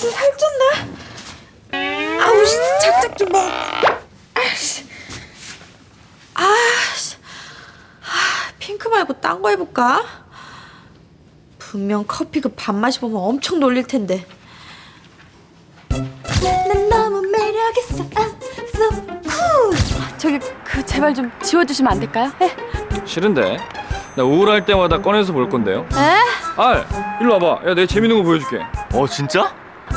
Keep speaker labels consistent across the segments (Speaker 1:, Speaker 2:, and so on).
Speaker 1: 살쪘나? 아우, 작작 좀 먹. 핑크 말고 딴 거 해볼까? 분명 커피 그 반 마셔보면 엄청 놀릴 텐데. 난 너무 매력 있어. so cool.
Speaker 2: 저기 그 제발 좀 지워주시면 안 될까요? 네?
Speaker 3: 싫은데. 나 우울할 때마다 꺼내서 볼 건데요.
Speaker 2: 에?
Speaker 3: 알, 일로 와봐. 야, 내가 재밌는 거 보여줄게.
Speaker 4: 진짜?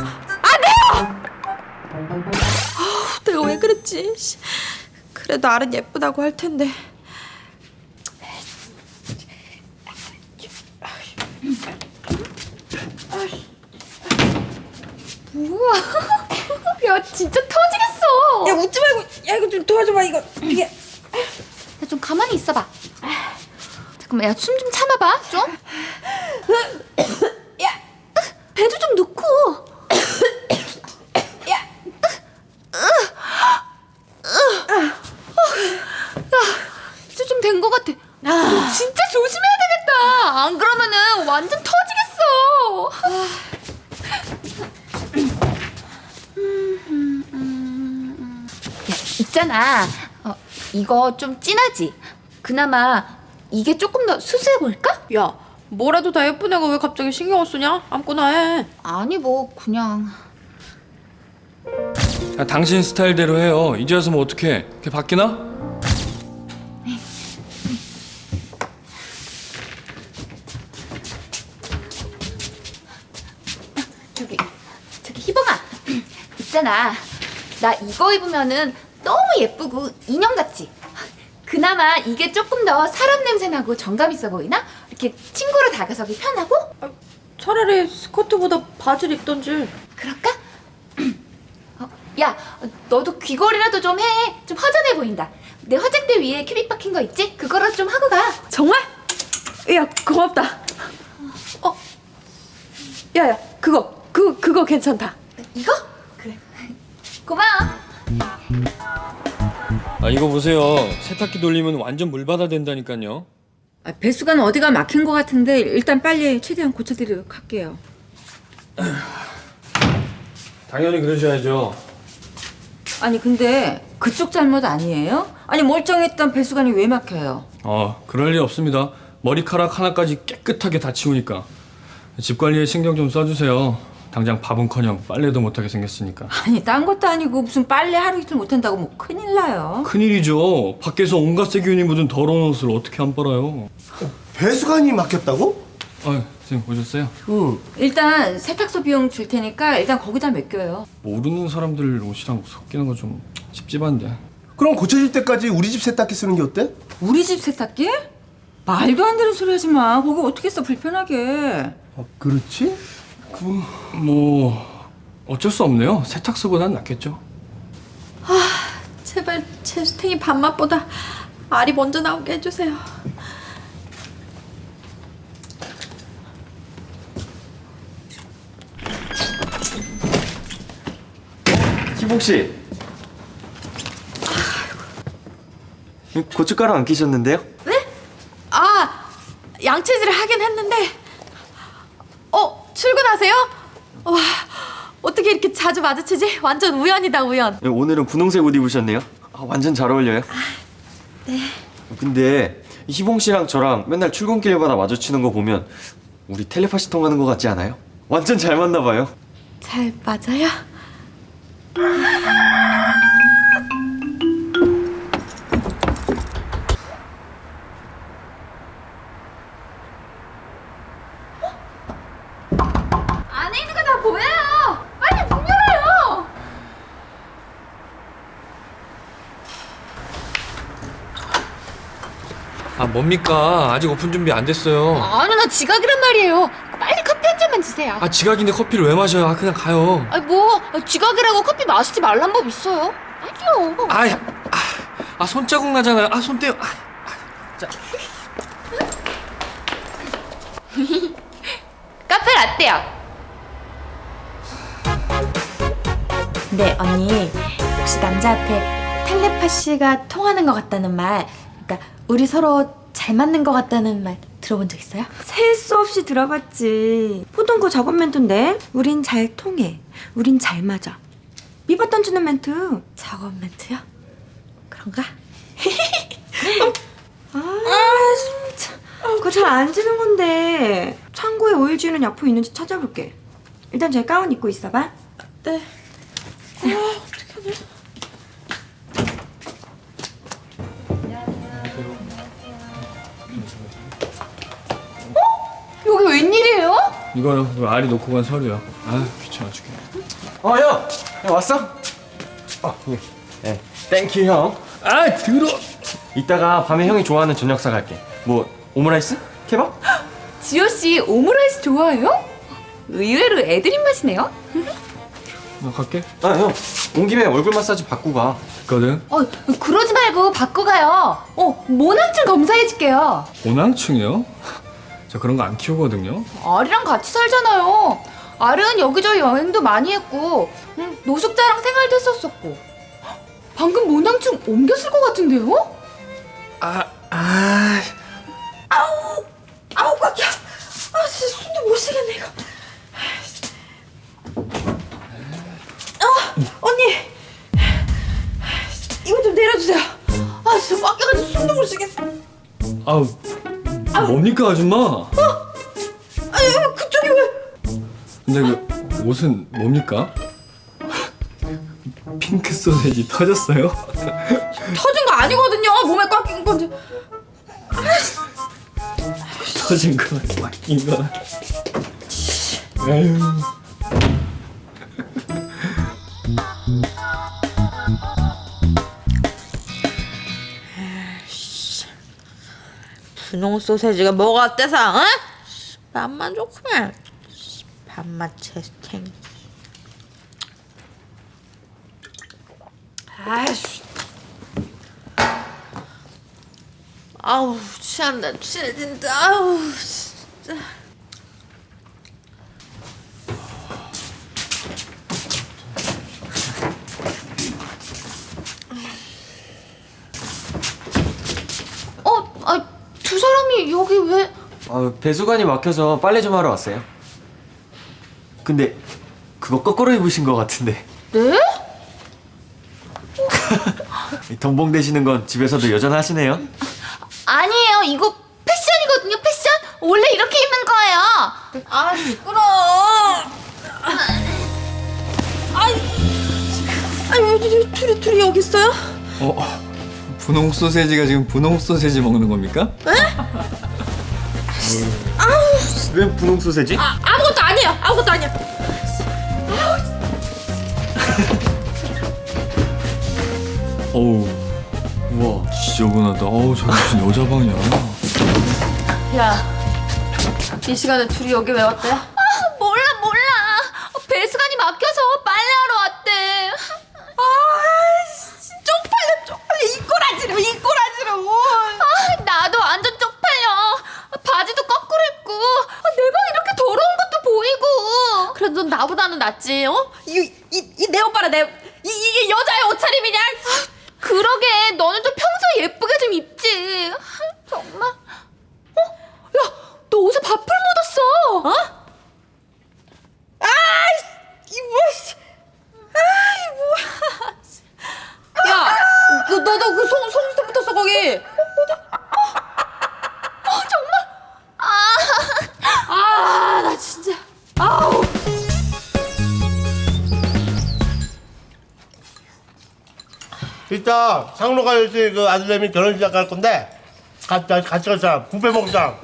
Speaker 1: 내가 왜 그랬지? 씨. 그래도 알은 예쁘다고 할 텐데.
Speaker 2: 우와, 야 진짜 터지겠어.
Speaker 1: 야, 웃지 말고. 야, 이거 좀 도와줘봐. 이게.
Speaker 2: 야, 좀 가만히 있어봐. 잠깐만, 야 숨 좀 참아봐 좀.
Speaker 1: 야,
Speaker 2: 배도 좀 넣고.
Speaker 1: 야.
Speaker 2: 이제 좀 된 것 같아. 너 진짜 조심해야 되겠다. 안 그러면은 완전 터지겠어. 야, 있잖아. 이거 좀 진하지? 그나마 이게 조금 더 수수해 보일까?
Speaker 1: 야, 뭐라도 다 예쁜 애가 왜 갑자기 신경을 쓰냐? 아무거나 해.
Speaker 2: 아니 뭐 그냥.
Speaker 3: 야, 당신 스타일대로 해요. 이제 와서 뭐 어떡해. 걔 바뀌나?
Speaker 2: 저기 희봉아. 있잖아. 나 이거 입으면은 너무 예쁘고 인형 같지? 그나마 이게 조금 더 사람 냄새 나고 정감 있어 보이나? 이렇게 친구로 다가서기 편하고?
Speaker 1: 차라리 스커트보다 바지를 입던지.
Speaker 2: 그럴까? 야, 너도 귀걸이라도 좀 해. 좀 허전해 보인다. 내 화장대 위에 큐빅 박힌 거 있지? 그거라도 좀 하고 가.
Speaker 1: 정말? 야, 고맙다. 야, 그거 괜찮다.
Speaker 2: 이거? 그래. 고마워.
Speaker 3: 아, 이거 보세요. 세탁기 돌리면 완전 물바다 된다니까요.
Speaker 5: 배수관 어디가 막힌 것 같은데 일단 빨리 최대한 고쳐드리도록 할게요.
Speaker 3: 당연히 그러셔야죠.
Speaker 5: 아니 근데 그쪽 잘못 아니에요? 아니 멀쩡했던 배수관이 왜 막혀요?
Speaker 3: 그럴 리 없습니다. 머리카락 하나까지 깨끗하게 다 치우니까. 집 관리에 신경 좀 써주세요. 당장 밥은커녕 빨래도 못하게 생겼으니까.
Speaker 5: 아니 딴 것도 아니고 무슨 빨래 하루 이틀 못한다고 뭐 큰일 나요.
Speaker 3: 큰일이죠. 밖에서 온갖 세균이 묻은 더러운 옷을 어떻게 안 빨아요.
Speaker 4: 배수관이 막혔다고?
Speaker 3: 선생님 오셨어요?
Speaker 4: 응.
Speaker 5: 일단 세탁소 비용 줄 테니까 일단 거기다 맡겨요.
Speaker 3: 모르는 사람들 옷이랑 섞이는 거 좀 찝찝한데.
Speaker 4: 그럼 고쳐질 때까지 우리 집 세탁기 쓰는 게 어때?
Speaker 5: 우리 집 세탁기? 말도 안 되는 소리 하지 마. 거기 어떻게 써 불편하게.
Speaker 4: 그렇지?
Speaker 3: 뭐 어쩔 수 없네요. 세탁소보단 낫겠죠.
Speaker 1: 제발 제수탱이 밥맛보다 알이 먼저 나오게 해주세요.
Speaker 6: 희봉 씨. 고춧가루 안 끼셨는데요?
Speaker 1: 네? 양치질을 하긴 했는데. 출근하세요? 와, 어떻게 이렇게 자주 마주치지? 완전 우연이다, 우연.
Speaker 6: 오늘은 분홍색 옷 입으셨네요. 완전 잘 어울려요.
Speaker 1: 네.
Speaker 6: 근데 희봉 씨랑 저랑 맨날 출근길마다 마주치는 거 보면 우리 텔레파시 통하는 거 같지 않아요? 완전 잘 맞나 봐요.
Speaker 1: 잘 맞아요?
Speaker 2: 안에 있는 거 다 보여요. 빨리 문 열어요.
Speaker 3: 뭡니까? 아직 오픈 준비 안 됐어요.
Speaker 2: 아니 나 지각이란 말이에요. 빨리 커피 한 잔만 주세요.
Speaker 3: 지각인데 커피를 왜 마셔요? 그냥 가요.
Speaker 2: 아니 뭐 지각이라고 커피 마시지 말란 법 있어요? 아니요.
Speaker 3: 손자국 나잖아요. 손 떼요.
Speaker 2: 카페 라떼요.
Speaker 1: 네, 언니. 혹시 남자한테 텔레파시가 통하는 것 같다는 말, 그러니까 우리 서로 잘 맞는 것 같다는 말 들어본 적 있어요?
Speaker 5: 셀 수 없이 들어봤지. 보통 그 저번 멘트인데. 우린 잘 통해. 우린 잘 맞아. 미바 던지는 멘트.
Speaker 1: 작업 멘트요? 그런가?
Speaker 5: 진짜. 그거 잘 안 지는 건데. 창고에 오일 지우는 약품 있는지 찾아볼게. 일단 제 가운 입고 있어봐.
Speaker 1: 네.
Speaker 2: 여기 웬일이에요?
Speaker 3: 이거요. 이거 알이 놓고 간 서류야. 아 귀찮아 죽겠네.
Speaker 6: 형! 형 왔어? 예. 네. 땡큐 형.
Speaker 3: 아 들어.
Speaker 6: 이따가 밤에 형이 좋아하는 저녁 사갈게. 뭐 오므라이스? 케밥?
Speaker 2: 지호 씨 오므라이스 좋아해요? 의외로 애들 입맛이네요.
Speaker 3: 나 갈게.
Speaker 6: 아 형, 온 김에 얼굴 마사지 받고 가.
Speaker 3: 있거든.
Speaker 2: 그러지 말고 받고 가요. 모낭증 검사해줄게요.
Speaker 3: 오낭충이요? 저 그런 거 안 키우거든요.
Speaker 2: 알이랑 같이 살잖아요. 알은 여기저기 여행도 많이 했고 노숙자랑 생활도 했었었고. 방금 모낭증 옮겼을 것 같은데요?
Speaker 1: 아우 꽉이야. 진짜 숨도 못 쉬겠네 이거. 언니. 이거 좀 내려주세요. 진짜 꽉겨가지고 숨도 못 쉬겠어.
Speaker 3: 아우 뭡니까 아줌마?
Speaker 1: 그쪽이 왜?
Speaker 3: 근데 그 옷은 뭡니까? 핑크 소세지 터졌어요?
Speaker 1: 터진 거 아니거든요. 몸에 꽉 낀 건데.
Speaker 3: 터진 거 맡긴 거. 에휴.
Speaker 1: 분홍 소세지가 뭐가 어때서? 응? 맛만 좋구만. 밥맛 체스팅. 아이씨. 아우 취한다 취해진다. 아우 진짜.
Speaker 2: 두 사람이 여기 왜?
Speaker 6: 배수관이 막혀서 빨래 좀 하러 왔어요. 근데 그거 거꾸로 입으신 것 같은데.
Speaker 2: 네?
Speaker 6: 덤봉 되시는 건 집에서도 여전하시네요.
Speaker 2: 아니에요. 이거 패션이거든요. 패션. 원래 이렇게 입는 거예요.
Speaker 1: 시끄러워. 왜 둘이 여기 있어요?
Speaker 3: 분홍 소세지가 지금 분홍 소세지 먹는 겁니까?
Speaker 6: 왜 분홍 소세지?
Speaker 1: 아무것도 아니에요. 아무것도 아니야.
Speaker 3: 어우 우와 지저분하다. 어우 저기 무슨 여자 방이야.
Speaker 1: 야, 이 시간에 둘이 여기 왜 왔대?
Speaker 2: 몰라. 배수관이 막혀서 빨래하러 왔대.
Speaker 1: 쪽팔려. 이 꼬라지로.
Speaker 2: 나도 완전 쪽팔려. 바지도 거꾸로 입고 내 방 이렇게 더러운 것도 보이고.
Speaker 1: 그래도 넌 나보다는 낫지, 어? 내 오빠라 이게 여자의 옷차림이냐?
Speaker 2: 그러게 너는 좀 평소에 예쁘게 좀 입지. 정말. 야, 너 옷에 밥풀 묻었어.
Speaker 1: 야, 너도 그 손수터 붙었어 거기. 나 진짜.
Speaker 4: 이따 상로 가야지 그 아들내미 결혼식 갈 건데 같이 갈 사람 뷔페 먹자.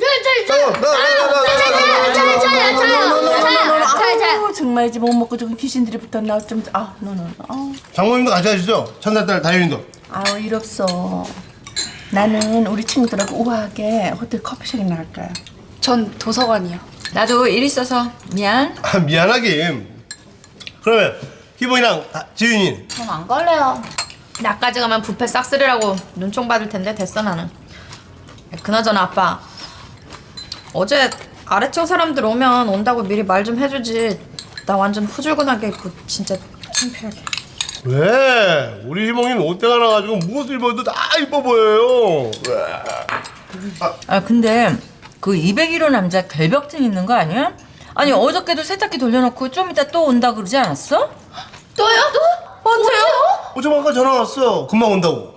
Speaker 7: 정말 이제 못 먹고 저기 귀신들이 붙었나 어쩜
Speaker 4: 장모님도 같이 가시죠. 천사딸 다현이도.
Speaker 7: 아우 일 없어. 나는 우리 친구들하고 우아하게 호텔 커피숍에 나갈까요?
Speaker 2: 전 도서관이요.
Speaker 5: 나도 일 있어서 미안.
Speaker 4: 미안하긴. 그러면 희봉이랑 지윤이.
Speaker 1: 전 안 갈래요. 나까지 가면 뷔페 싹쓸이라고 눈총 받을 텐데 됐어 나는. 그나저나 아빠. 어제 아래쪽 사람들 오면 온다고 미리 말 좀 해주지. 나 완전 후줄근하게 입고 진짜 창피하게.
Speaker 4: 왜? 우리 희봉이는 옷대가 나가지고 무엇을 입어도 다 이뻐 보여요.
Speaker 5: 근데
Speaker 8: 그 201호 남자 결벽증 있는 거 아니야? 아니 어저께도 세탁기 돌려놓고 좀 이따 또 온다 그러지 않았어?
Speaker 1: 또요? 또? 언제요?
Speaker 4: 어제 아까 전화 왔어. 금방 온다고.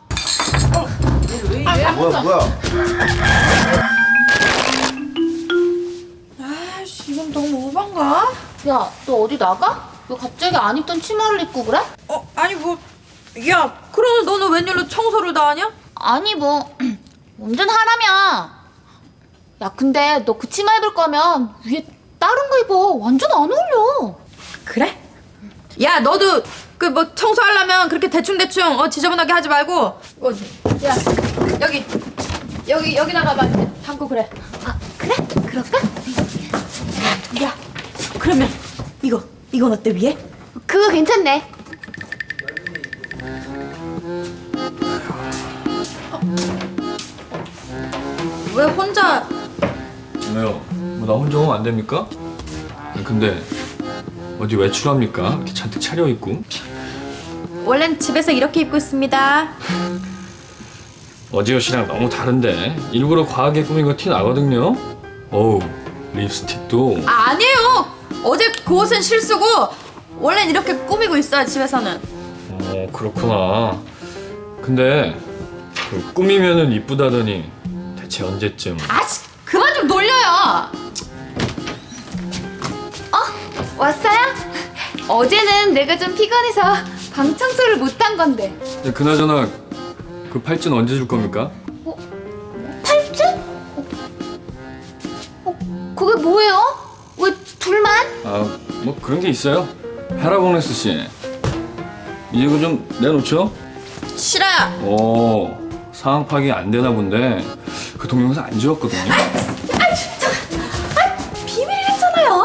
Speaker 4: 뭐야?
Speaker 1: 아이씨, 이건 너무 오반가?
Speaker 2: 야, 너 어디 나가? 왜 갑자기 안 입던 치마를 입고 그래?
Speaker 1: 아니 뭐, 야, 그러면 너는 웬일로 청소를 다 하냐?
Speaker 2: 아니 뭐 완전 하람이야. 야, 근데 너 그 치마 입을 거면 위에 다른 거 입어. 완전 안 어울려.
Speaker 1: 그래? 야, 너도 그 뭐 청소하려면 그렇게 대충대충 지저분하게 하지 말고 야, 여기다가 막 담고 그래.
Speaker 2: 아, 그래? 그럴까?
Speaker 5: 야, 그러면 이건 어때 위에?
Speaker 2: 그거 괜찮네.
Speaker 1: 왜 혼자?
Speaker 3: 왜요? 뭐 나 혼자 오면 안 됩니까? 근데 어디 외출합니까? 이렇게 잔뜩 차려입고.
Speaker 1: 원래는 집에서 이렇게 입고 있습니다.
Speaker 3: 어제 옷이랑 너무 다른데 일부러 과하게 꾸민 거 티 나거든요. 어우, 립스틱도.
Speaker 1: 아니에요. 어제 그 옷은 실수고 원래는 이렇게 꾸미고 있어요, 집에서는.
Speaker 3: 그렇구나. 근데 그 꾸미면은 이쁘다더니 대체 언제쯤?
Speaker 1: 아씨, 그만 좀 놀려요.
Speaker 2: 왔어요? 어제는 내가 좀 피곤해서 방 청소를 못한 건데.
Speaker 3: 근데 그나저나 그 팔찌는 언제 줄 겁니까?
Speaker 2: 팔찌? 그게 뭐예요? 왜 둘만?
Speaker 3: 뭐 그런 게 있어요. 헤라봉네스 씨, 이제 이거 좀 내놓죠?
Speaker 1: 싫어요.
Speaker 3: 상황 파악이 안 되나 본데 그 동영상 안 지웠거든요.
Speaker 1: 비밀이랬잖아요.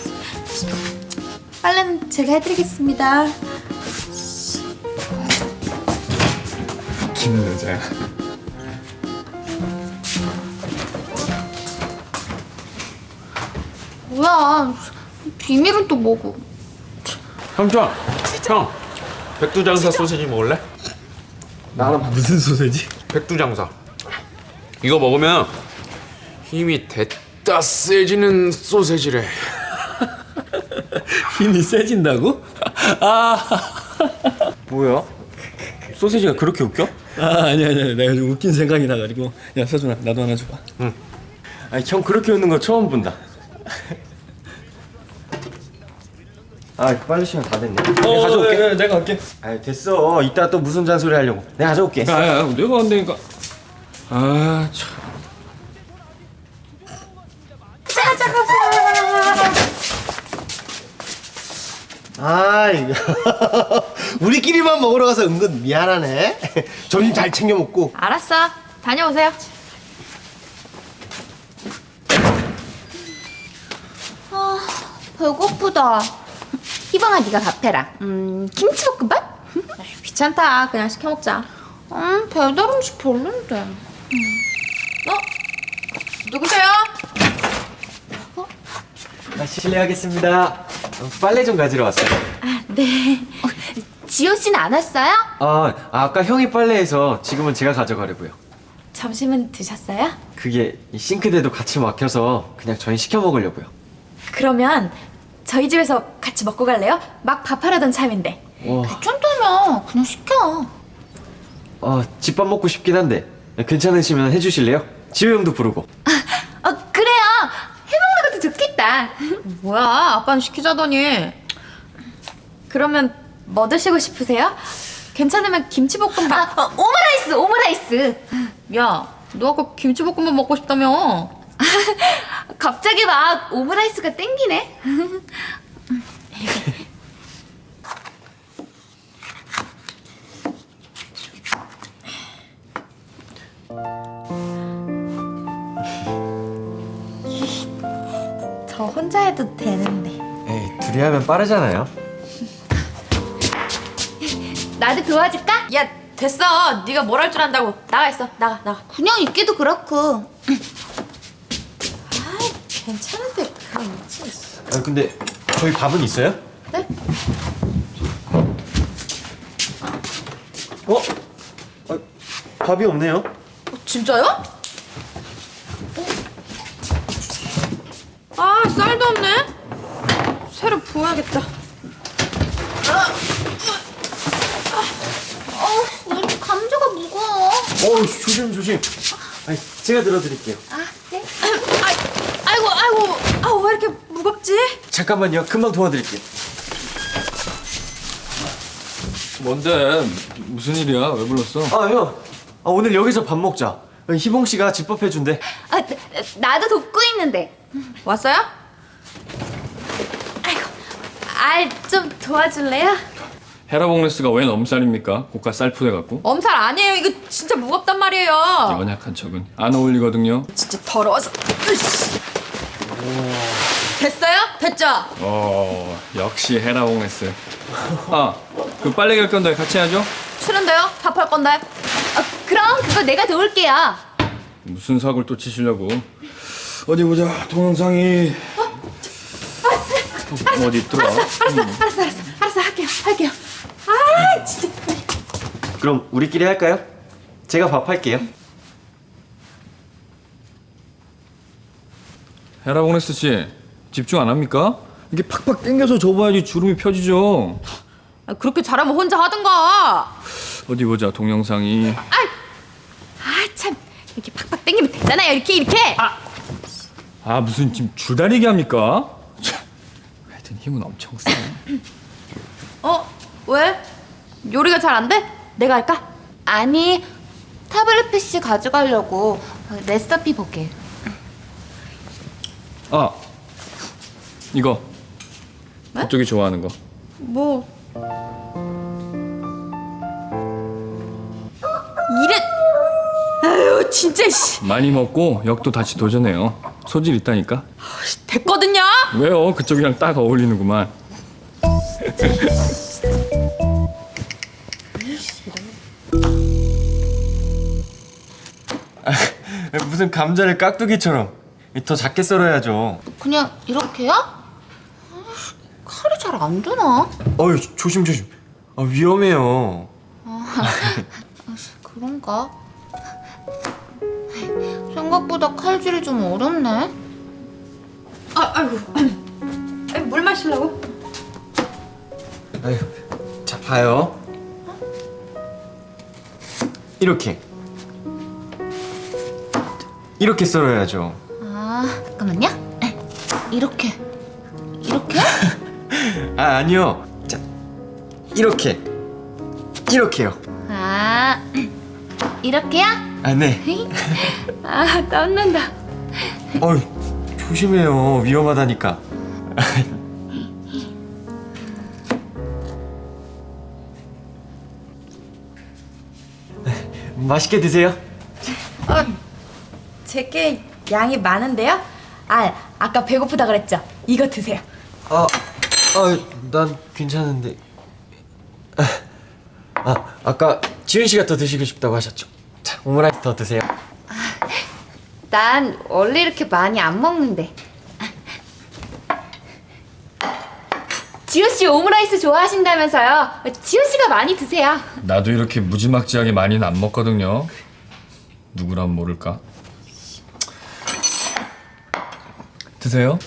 Speaker 1: 빨래는 제가 해드리겠습니다.
Speaker 3: 웃기는 여자야.
Speaker 2: 뭐야, 비밀은 또 뭐고?
Speaker 9: 형정, 형, 백두장사 소세지 먹을래?
Speaker 3: 무슨 소세지?
Speaker 9: 백두장사. 이거 먹으면 힘이 됐다 세지는 소세지래.
Speaker 3: 힘이 세진다고?
Speaker 6: 뭐야? 소세지가 그렇게 웃겨?
Speaker 3: 아니야. 내가 좀 웃긴 생각이 나가지고. 야, 서준아, 나도 하나 줘봐.
Speaker 6: 아니 형 그렇게 웃는 거 처음 본다. 빨리 시간 다 됐네. 내가 가져올게.
Speaker 3: 내가 갈게.
Speaker 6: 됐어. 이따 또 무슨 잔소리 하려고. 내가 가져올게.
Speaker 3: 야, 내가 안 되니까. 참.
Speaker 4: 이거 우리끼리만 먹으러 가서 은근 미안하네. 점심 잘 챙겨 먹고.
Speaker 1: 알았어. 다녀오세요.
Speaker 2: 배고프다. 희방아, 네가 밥 해라. 김치볶음밥?
Speaker 1: 귀찮다. 그냥 시켜 먹자.
Speaker 2: 배달 음식 별론데.
Speaker 1: 누구세요?
Speaker 6: 실례하겠습니다. 빨래 좀 가지러 왔어요.
Speaker 2: 지호 씨는 안 왔어요?
Speaker 6: 아까 형이 빨래해서 지금은 제가 가져가려고요.
Speaker 1: 점심은 드셨어요?
Speaker 6: 그게 이 싱크대도 같이 막혀서 그냥 저희 시켜 먹으려고요.
Speaker 1: 그러면 저희 집에서 같이 먹고 갈래요? 막 밥하려던 참인데.
Speaker 2: 괜찮다며. 그냥 시켜.
Speaker 6: 집밥 먹고 싶긴 한데 괜찮으시면 해주실래요? 지호 형도 부르고.
Speaker 2: 그래요. 해먹는 것도 좋겠다.
Speaker 1: 뭐야, 아빠는 시키자더니. 그러면 뭐 드시고 싶으세요? 괜찮으면 김치볶음밥.
Speaker 2: 오므라이스.
Speaker 1: 야, 너 아까 김치볶음밥 먹고 싶다며.
Speaker 2: 갑자기 막 오므라이스가 땡기네.
Speaker 1: 저 혼자 해도 되는데.
Speaker 6: 에이, 둘이 하면 빠르잖아요.
Speaker 2: 나도 도와줄까?
Speaker 1: 야, 됐어. 네가 뭘 할 줄 안다고. 나가 있어. 나가.
Speaker 2: 그냥 있기도 그렇고.
Speaker 1: 괜찮은데 그냥 있지.
Speaker 6: 근데 저희 밥은 있어요?
Speaker 1: 네?
Speaker 6: 밥이 없네요.
Speaker 1: 진짜요? 없네. 새로 부어야겠다.
Speaker 2: 왜 이렇게 감자가 무거워?
Speaker 6: 조심. 아니, 제가 들어드릴게요.
Speaker 2: 아, 네.
Speaker 1: 아이고, 왜 이렇게 무겁지?
Speaker 6: 잠깐만요. 금방 도와드릴게요.
Speaker 3: 뭔데? 무슨 일이야? 왜 불렀어?
Speaker 6: 아, 형. 오늘 여기서 밥 먹자. 희봉 씨가 집밥 해준대.
Speaker 2: 아, 나도 돕고 있는데.
Speaker 1: 왔어요?
Speaker 2: 좀 도와줄래요?
Speaker 3: 헤라봉레스가 웬 엄살입니까? 고가 쌀푸대 갖고.
Speaker 1: 엄살 아니에요. 이거 진짜 무겁단 말이에요.
Speaker 3: 연약한 척은 안 어울리거든요.
Speaker 1: 진짜 더러워서. 으이씨. 됐어요? 됐죠?
Speaker 3: 역시 헤라봉레스. 그 빨래 갤 건데 같이 하죠?
Speaker 1: 싫은데요? 답할 건데.
Speaker 2: 그럼 그거 내가 도울게요.
Speaker 3: 무슨 사고를 또 치시려고? 어디 보자. 동영상이 어디 있더라?
Speaker 2: 알았어, 할게요.
Speaker 6: 그럼 우리끼리 할까요? 제가 밥 할게요.
Speaker 3: 헤라봉레스 씨 집중 안 합니까? 이게 팍팍 당겨서 접어야지 주름이 펴지죠.
Speaker 1: 그렇게 잘하면 혼자 하든가.
Speaker 3: 어디 보자. 동영상이
Speaker 1: 참. 이렇게 팍팍 당기면 되잖아요. 이렇게.
Speaker 3: 무슨 지금 줄다리기 합니까? 참, 하여튼 힘은 엄청 세.
Speaker 1: 왜? 요리가 잘 안 돼? 내가 할까?
Speaker 2: 아니, 타블렛 PC 가져가려고 레시피 보게.
Speaker 3: 이거 그쪽이 좋아하는 거.
Speaker 1: 뭐 이래. 아유 진짜 씨.
Speaker 3: 많이 먹고 역도 다시 도전해요. 소질 있다니까.
Speaker 1: 됐거든요.
Speaker 3: 왜요? 그쪽이랑 딱 어울리는구만.
Speaker 6: 무슨 감자를 깍두기처럼. 더 작게 썰어야죠.
Speaker 2: 그냥 이렇게요? 칼이 잘 안 되나?
Speaker 6: 조심. 위험해요.
Speaker 2: 그런가? 생각보다 칼질이 좀 어렵네.
Speaker 1: 아이고. 물 마시려고?
Speaker 6: 자, 봐요. 이렇게 썰어야죠.
Speaker 2: 잠깐만요. 이렇게.
Speaker 6: 아니요. 자, 이렇게요.
Speaker 2: 이렇게요?
Speaker 6: 네.
Speaker 2: 땀난다.
Speaker 6: 조심해요. 위험하다니까. 맛있게 드세요.
Speaker 1: 제게 양이 많은데요? 아까 배고프다 그랬죠? 이거 드세요.
Speaker 6: 난 괜찮은데. 아까 지은 씨가 더 드시고 싶다고 하셨죠? 자, 오므라이스 더 드세요.
Speaker 2: 난 원래 이렇게 많이 안 먹는데. 지호 씨 오므라이스 좋아하신다면서요? 지호 씨가 많이 드세요.
Speaker 3: 나도 이렇게 무지막지하게 많이는 안 먹거든요. 누구란 모를까? 드세요.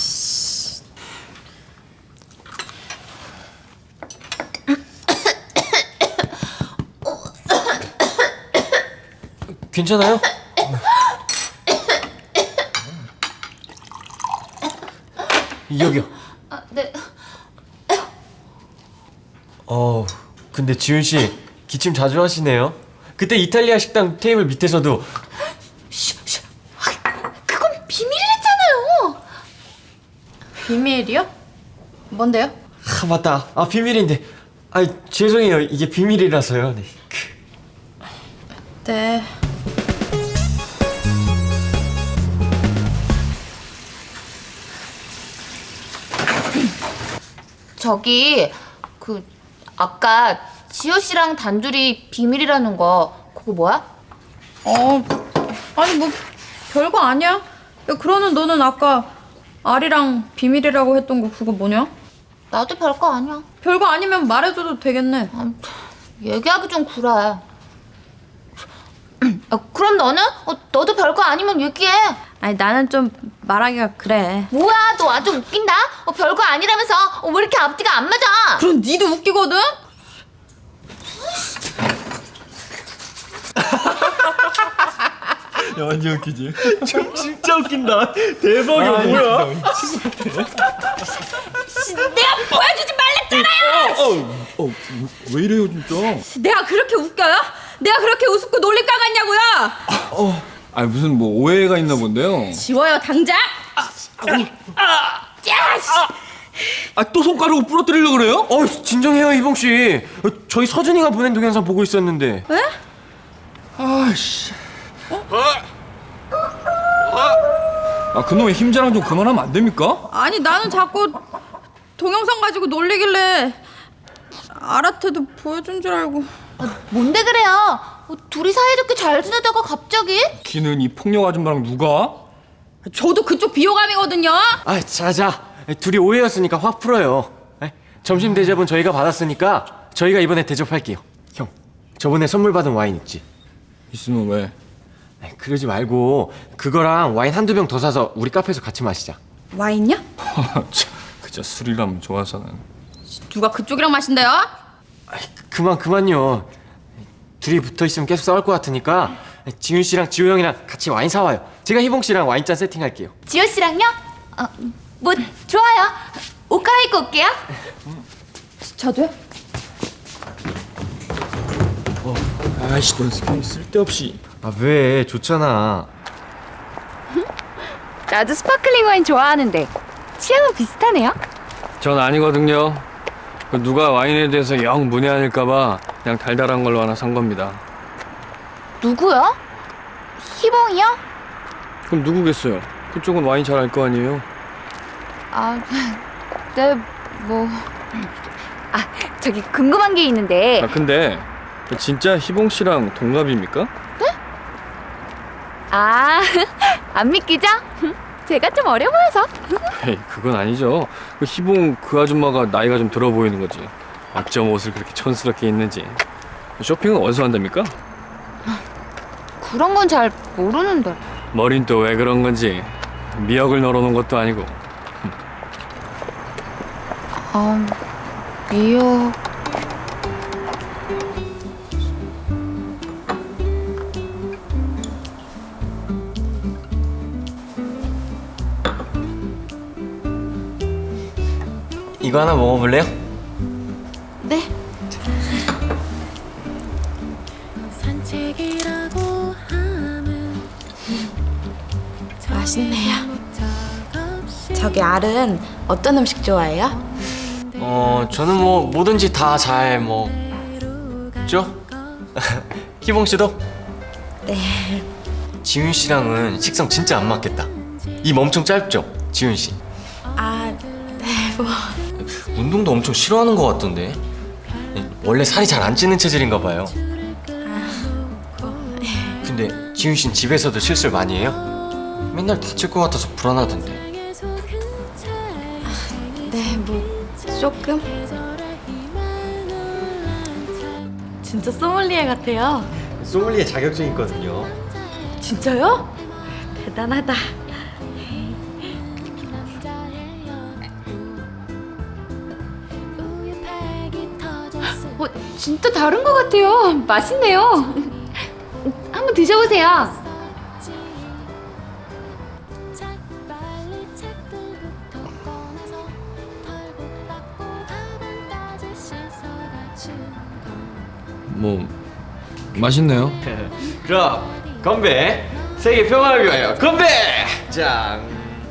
Speaker 6: 괜찮아요? 여기요.
Speaker 2: 네.
Speaker 6: 근데 지훈 씨 기침 자주 하시네요. 그때 이탈리아 식당 테이블 밑에서도.
Speaker 2: 그건 비밀이랬잖아요.
Speaker 1: 비밀이요? 뭔데요?
Speaker 6: 맞다. 비밀인데. 죄송해요. 이게 비밀이라서요. 네.
Speaker 1: 네.
Speaker 2: 저기 아까 지호 씨랑 단둘이 비밀이라는 거 그거 뭐야?
Speaker 1: 아니 뭐 별거 아니야. 야, 그러는 너는 아까 아리랑 비밀이라고 했던 거 그거 뭐냐?
Speaker 2: 나도 별거 아니야.
Speaker 1: 별거 아니면 말해줘도 되겠네.
Speaker 2: 얘기하기 좀 그래. 그럼 너는? 너도 별거 아니면 얘기해.
Speaker 1: 아니 나는 좀 말하기가 그래.
Speaker 2: 뭐야, 너 아주 웃긴다. 별거 아니라면서. 왜 이렇게 앞뒤가 안 맞아?
Speaker 1: 그럼 니도 웃기거든?
Speaker 6: 야, 완전 웃기지? 진짜 웃긴다. 대박이야, 뭐야?
Speaker 1: 내가 보여주지 말랬잖아요.
Speaker 3: 왜 이래요 진짜?
Speaker 1: 내가 그렇게 웃겨요? 내가 그렇게 우습고 놀릴 까 같냐고요?
Speaker 3: 아니 무슨 뭐 오해가 있나 본데요.
Speaker 1: 지워요 당장.
Speaker 3: 아 또 손가락으로 부러뜨리려고 그래요?
Speaker 6: 진정해요, 희봉 씨. 저희 서준이가 보낸 동영상 보고 있었는데.
Speaker 1: 왜?
Speaker 3: 아씨. 아 그놈의 힘자랑 좀 그만하면 안 됩니까?
Speaker 1: 아니 나는 자꾸 동영상 가지고 놀리길래 아라테도 보여준 줄 알고.
Speaker 2: 뭔데 그래요? 둘이 사이좋게 잘 지내다가 갑자기?
Speaker 3: 기는 이 폭력 아줌마랑 누가?
Speaker 1: 저도 그쪽 비호감이거든요.
Speaker 6: 아, 자자. 둘이 오해였으니까 확 풀어요. 점심 대접은 저희가 받았으니까 저희가 이번에 대접할게요. 형, 저번에 선물 받은 와인 있지?
Speaker 3: 있으면 왜?
Speaker 6: 그러지 말고 그거랑 와인 한두 병 더 사서 우리 카페에서 같이 마시자.
Speaker 1: 와인요?
Speaker 3: 참, 그저 술이라면 좋아서는.
Speaker 1: 누가 그쪽이랑 마신대요?
Speaker 6: 그만요. 둘이 붙어있으면 계속 싸울 것 같으니까 지윤 씨랑 지호 형이랑 같이 와인 사와요. 제가 희봉 씨랑 와인잔 세팅할게요.
Speaker 2: 지호 씨랑요? 뭐 좋아요. 옷 갈아입고 올게요.
Speaker 1: 저도요?
Speaker 3: 아이씨 넌 쓸데없이.
Speaker 6: 아, 왜? 좋잖아.
Speaker 2: 나도 스파클링 와인 좋아하는데 취향은 비슷하네요.
Speaker 3: 전 아니거든요. 누가 와인에 대해서 영 문외한일까봐 그냥 달달한 걸로 하나 산 겁니다.
Speaker 2: 누구요? 희봉이요?
Speaker 3: 그럼 누구겠어요? 그쪽은 와인 잘 알 거 아니에요?
Speaker 2: 네, 뭐... 저기 궁금한 게 있는데
Speaker 3: 아 근데 진짜 희봉 씨랑 동갑입니까?
Speaker 2: 안 믿기죠? 제가 좀 어려 보여서.
Speaker 3: 에이 그건 아니죠. 그 희봉 그 아줌마가 나이가 좀 들어 보이는 거지. 어쩜 옷을 그렇게 촌스럽게 입는지. 쇼핑은 어디서 한답니까?
Speaker 2: 그런 건 잘 모르는데.
Speaker 3: 머린 또 왜 그런 건지. 미역을 널어놓은 것도 아니고.
Speaker 2: 미역...
Speaker 6: 이거 하나 먹어볼래요?
Speaker 2: 네.
Speaker 1: 맛있네요. 저기 알은 어떤 음식 좋아해요?
Speaker 6: 저는 뭐 뭐든지 다 잘 먹죠? 희봉 씨도?
Speaker 1: 네.
Speaker 6: 지윤 씨랑은 식성 진짜 안 맞겠다. 입 엄청 짧죠? 지윤 씨.
Speaker 1: 네, 뭐.
Speaker 6: 운동도 엄청 싫어하는 것 같던데. 원래 살이 잘 안 찌는 체질인가 봐요. 근데 지윤 씨는 집에서도 실수를 많이 해요? 맨날 다칠 것 같아서 불안하던데.
Speaker 1: 네, 뭐 조금. 진짜 소믈리에 같아요.
Speaker 6: 소믈리에 자격증 있거든요.
Speaker 1: 진짜요? 대단하다.
Speaker 2: 진짜 다른 것 같아요. 맛있네요. 한번 드셔보세요.
Speaker 3: 뭐 맛있네요.
Speaker 6: 그럼 건배. 세계 평화를 위하여 건배. 짱.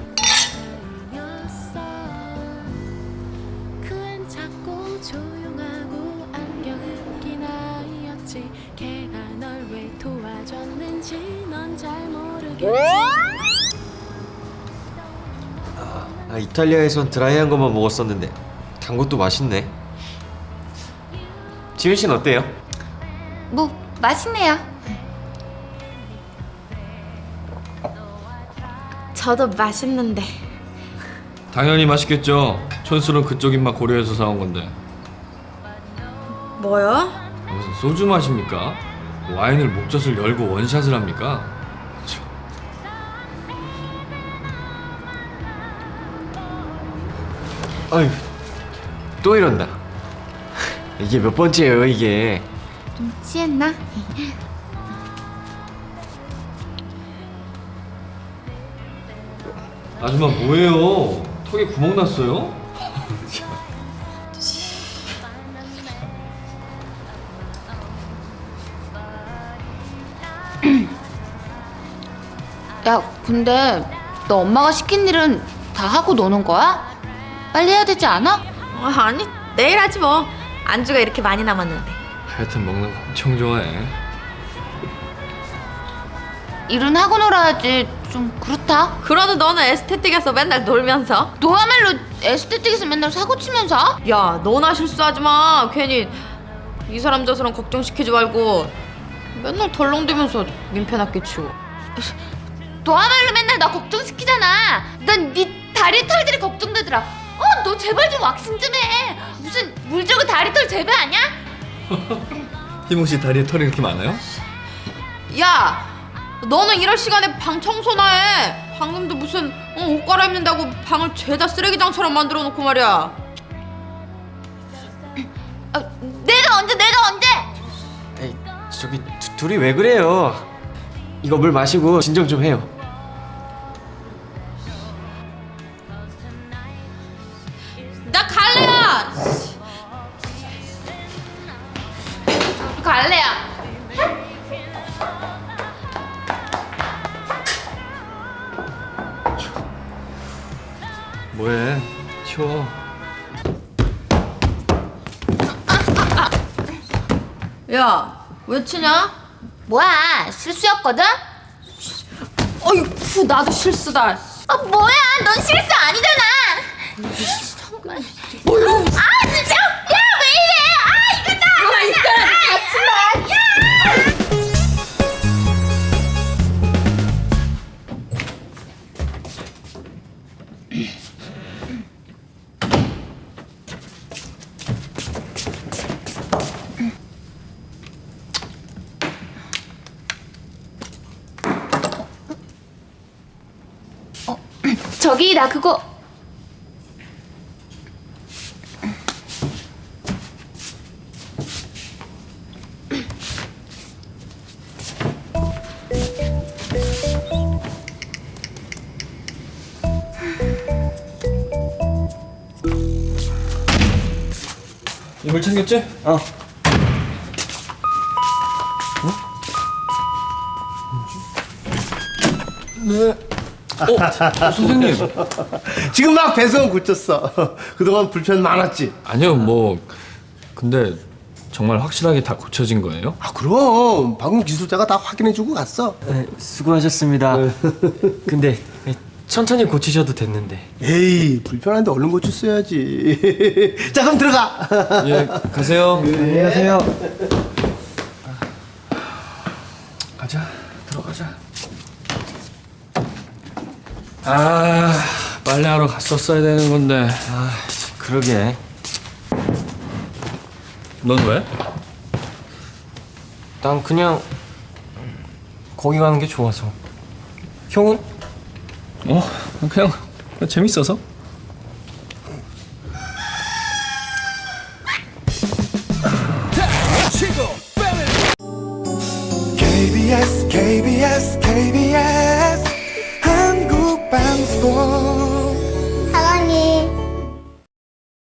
Speaker 6: 이탈리아에선 드라이한 것만 먹었었는데 단 것도 맛있네. 지윤 씨는 어때요?
Speaker 2: 뭐 맛있네요.
Speaker 1: 저도 맛있는데.
Speaker 3: 당연히 맛있겠죠. 촌술은 그쪽 입맛 고려해서 사온 건데.
Speaker 1: 뭐요?
Speaker 3: 무슨 소주 마십니까? 와인을 목젖을 열고 원샷을 합니까?
Speaker 6: 아유, 또 이런다. 이게 몇 번째예요, 이게.
Speaker 2: 좀 취했나?
Speaker 3: 아줌마 뭐예요? 턱에 구멍 났어요?
Speaker 2: 야, 근데 너 엄마가 시킨 일은 다 하고 노는 거야? 빨리 해야 되지 않아?
Speaker 1: 아니 내일 하지 뭐. 안주가 이렇게 많이 남았는데.
Speaker 3: 하여튼 먹는 거 엄청 좋아해.
Speaker 2: 일은 하고 놀아야지. 좀 그렇다.
Speaker 1: 그러도 너는 에스테틱에서 맨날 놀면서.
Speaker 2: 너야말로 에스테틱에서 맨날 사고 치면서?
Speaker 1: 야 너나 실수하지 마. 괜히 이 사람 저 사람 걱정시키지 말고 맨날 덜렁대면서 민폐나 끼치고.
Speaker 2: 너야말로 맨날 나 걱정시키잖아. 난 네 다리 털들이 걱정되더라. 너 제발 좀 왁싱 좀 해. 무슨 물 주고 다리 털 재배 아니야?
Speaker 3: 희몽 씨 다리에 털이 이렇게 많아요?
Speaker 1: 야 너는 이럴 시간에 방 청소나 해. 방금도 무슨 옷 갈아입는다고 방을 죄다 쓰레기장처럼 만들어 놓고 말이야.
Speaker 2: 내가 언제?
Speaker 6: 에이, 저기 둘이 왜 그래요? 이거 물 마시고 진정 좀 해요.
Speaker 1: 나 갈래야.
Speaker 2: 갈래야.
Speaker 3: 뭐해? 치워.
Speaker 1: 야 왜 치냐?
Speaker 2: 뭐야, 실수였거든?
Speaker 1: 어이쿠 나도 실수다.
Speaker 2: 뭐야, 넌 실수 아니잖아. 정말. 진짜. 야, 왜 이래? 이거 나. 같이 마. 저기 나 그거
Speaker 3: 이물 챙겼지?
Speaker 6: 어.
Speaker 3: 네. 선생님.
Speaker 4: 지금 막 배송 고쳤어. 그동안 불편 많았지?
Speaker 3: 아니요 뭐 근데 정말 확실하게 다 고쳐진 거예요?
Speaker 4: 아 그럼 방금 기술자가 다 확인해주고 갔어.
Speaker 6: 네, 수고하셨습니다. 근데 천천히 고치셔도 됐는데.
Speaker 4: 에이 불편한데 얼른 고쳤어야지. 자 그럼 들어가.
Speaker 3: 예 가세요.
Speaker 6: 안녕하세요.
Speaker 3: 가자 들어가자. 아 빨래하러 갔었어야 되는 건데.
Speaker 6: 그러게.
Speaker 3: 넌 왜?
Speaker 6: 난 그냥 거기 가는 게 좋아서. 형은?
Speaker 3: 그냥 재밌어서.
Speaker 10: KBS KBS KBS